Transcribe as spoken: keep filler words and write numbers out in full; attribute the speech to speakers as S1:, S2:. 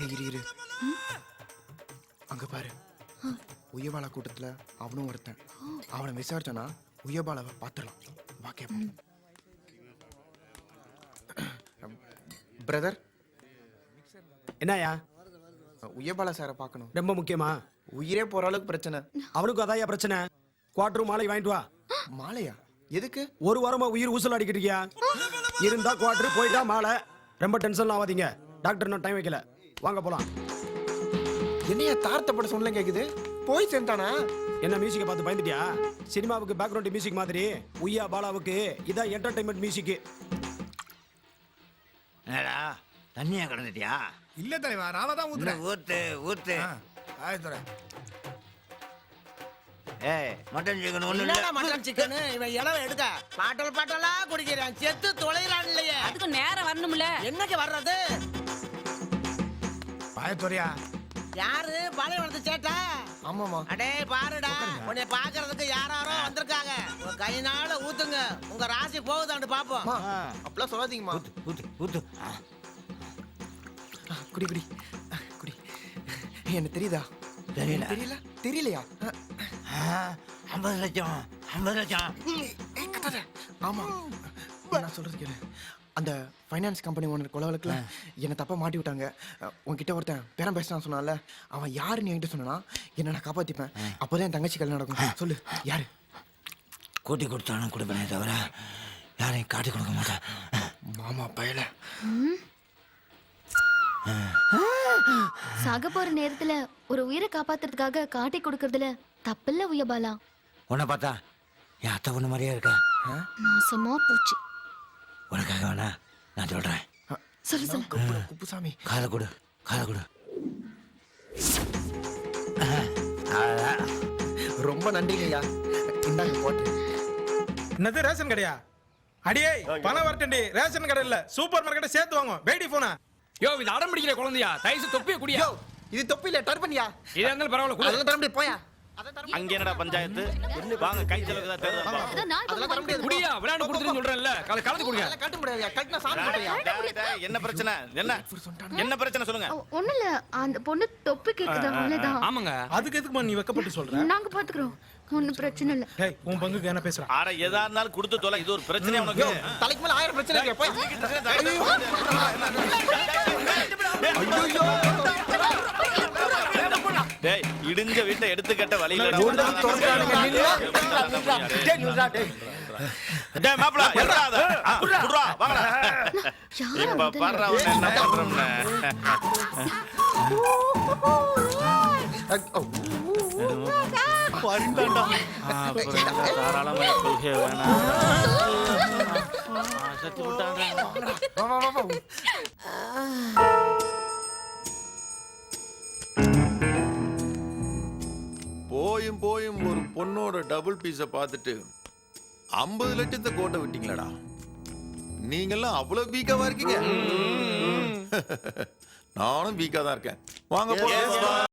S1: இரு இரு அங்க பாரு உயபாலா கூட்டத்துல அவனும் ஒருத்தன். அவனை விசாரிச்சானா உயபாலாவை பார்த்துடலாம். வா கேப்போம். பிரதர்
S2: என்னயா
S1: உயபாலா சாரை பார்க்கணும்.
S2: ரொம்ப முக்கியமா?
S1: உயிரே போற அளவுக்கு பிரச்சனை.
S2: அவனுக்கு அதாயா பிரச்சனை. குவார்டர் மாலை வாங்கிட்டு வா.
S1: மாலையா? எதுக்கு?
S2: ஒரு வாரமா உயிர் ஊசல் அடிக்கிட்டு இருக்கியா? இருந்தா குவார்டர், போயிட்டா மாலை. ரொம்ப டென்ஷன் ஆகாதீங்க. டாக்டர் நான் டைம் வைக்கல. வாங்க போலாம்.
S1: என்னையா தார்த்தப்பட சொன்ன கேக்குது? போய் சேர்ந்தானா?
S2: என்ன மியூசிக்கை பார்த்து பயந்துட்டியா? சினிமாவுக்கு பேக்ரவுண்ட் மியூசிக் மாதிரி உய்யா பாலாவுக்கு இதான் என்டர்டைன்மெண்ட் மியூசிக்.
S3: என்னடா தண்ணியா கிடந்துட்டியா?
S4: இல்ல தலைவா, நாம தான் ஊத்துறேன்.
S3: ஊத்து ஊத்து.
S4: ஆயிரத்துறை
S3: ஏய் மட்டன் சிக்கன் ஒண்ணு
S5: இல்லடா மட்டன் சிக்கன். இவன் இளவ எடுக்க பாட்டல் பாட்டலா குடிக்கிறான். செத்து தொலைறான் இல்லையே.
S6: அதுக்கு நேரம் வரணும்ல.
S5: என்னைக்கு வர்றது?
S4: ஆயிரத்துறையா?
S5: யாரு பாலைவனத்து சேட்டா?
S1: ஆமாமா.
S5: அடே பாருடா, உன்னை பாக்குறதுக்கு யாராரோ வந்திருக்காங்க. உங்க கையினால ஊத்துங்க. உங்க ராசி போகுதான்னு பாப்போம்.
S1: அப்படிலாம் சொல்லாதீங்கம்மா.
S3: ஊத்து ஊத்து.
S1: குடி குடி குடி. என்ன தெரியுதா?
S3: தெரியல.
S1: தெரியல தெரியலையா?
S3: ஐம்பது லட்சம் ஐம்பது லட்சம்.
S1: ஆமா, நான் சொல்றது கேளு. அந்த ஃபைனான்ஸ் கம்பெனி ஓனர் கொலை வழக்குல என்னை தப்பா மாட்டி விட்டாங்க. உன்கிட்ட ஒருத்தன் பேரம் பேசினான்னு சொன்னால, அவன் யாருன்னு என்கிட்ட சொன்னா என்ன நான் காப்பாத்திப்பேன். அப்போதான் என் தங்கச்சி கல்யாணம் நடக்கும். சொல்லு யாரு?
S3: கூட்டி கொடுத்தாலும் கொடுப்பேனே தவிர யாரையும் காட்டி கொடுக்க மாட்டேன்.
S1: மாமா பயல.
S7: சாக போற நேரத்துல ஒரு உயிரை காப்பாத்துறதுக்காக காட்டி கொடுக்கறதுல தப்பில்ல உயபாலா.
S3: உன்னை பார்த்தா என் அத்தை பொண்ணு மாதிரியே இருக்க.
S7: நாசமா போச்சு.
S3: உனக்காக வேணா நான் சொல்றேன்.
S7: சொல்லு சொல்லு.
S1: குப்புசாமி
S3: காதை கொடு காதை கொடு.
S1: ரொம்ப நன்றிங்கய்யா. இந்தாங்க போட்டு.
S4: என்னது ரேஷன் கடையா? அடியே பணம் வரட்டண்டி. ரேஷன் கடை இல்ல, சூப்பர் மார்க்கெட்டை சேர்த்து வாங்க. பேடி போனா
S8: யோ இது அடம் பிடிக்கிற குழந்தையா? தயசு தொப்பிய குடியா.
S1: யோ இது தொப்பி இல்ல, டர்பன்யா.
S8: இதா இருந்தாலும் பரவாயில்ல குடு.
S1: அதெல்லாம் தர முடியாது, போயா.
S9: அங்க என்னடா பஞ்சாயத்து? வாங்க கை செலவுக்கு தான் தேர்தல்.
S7: அதான் நான்
S1: அதெல்லாம் தர முடியாது.
S8: குடியா, விளையாண்டு குடுத்துறேன்னு சொல்றேன்ல. கல கலந்து குடிங்க.
S1: அதெல்லாம் கட்ட முடியாதுயா. கட்டினா சாமி போடுயா.
S9: என்ன பிரச்சனை? என்ன என்ன பிரச்சனை சொல்லுங்க.
S7: ஒண்ணு இல்ல, அந்த பொண்ணு தொப்பி கேக்குது, அவ்வளவுதான்.
S8: ஆமாங்க.
S4: அதுக்கு எதுக்கு நீ வெக்கப்பட்டு சொல்ற?
S7: நாங்க பாத்துக்கிறோம், ஒண்ணும் பிரச்சனை இல்ல.
S4: டேய் உன் பங்குக்கு என்ன பேசுற?
S9: ஆட எதா இருந்தாலும் கொடுத்து தொலை. இது ஒரு பிரச்சனை உனக்கு.
S1: தலைக்கு மேல ஆயிரம் பிரச்சனை இருக்கு. போய்.
S9: டேய் இடிஞ்ச வீட்டை எடுத்துக்கட்ட வழியிலடா. டேய் மாப்ள எறடாத. குடுறா வாங்கடா. இப்ப பர்றா உன்ன என்ன பண்றோம்னே. பரிண்டடா. தாராளமா கொள்கை வேணா. சத்து விட்டாங்க.
S1: வா வா வா.
S10: போயும் போயும் ஒரு பொண்ணோட டபுள் பீஸ பார்த்துட்டு ஐம்பது லட்சத்தை கோட்டை விட்டீங்களடா. நீங்கெல்லாம் அவ்வளவு வீக்காவா இருக்கீங்க. நானும் வீக்கா தான் இருக்கேன். வாங்க போலாம்.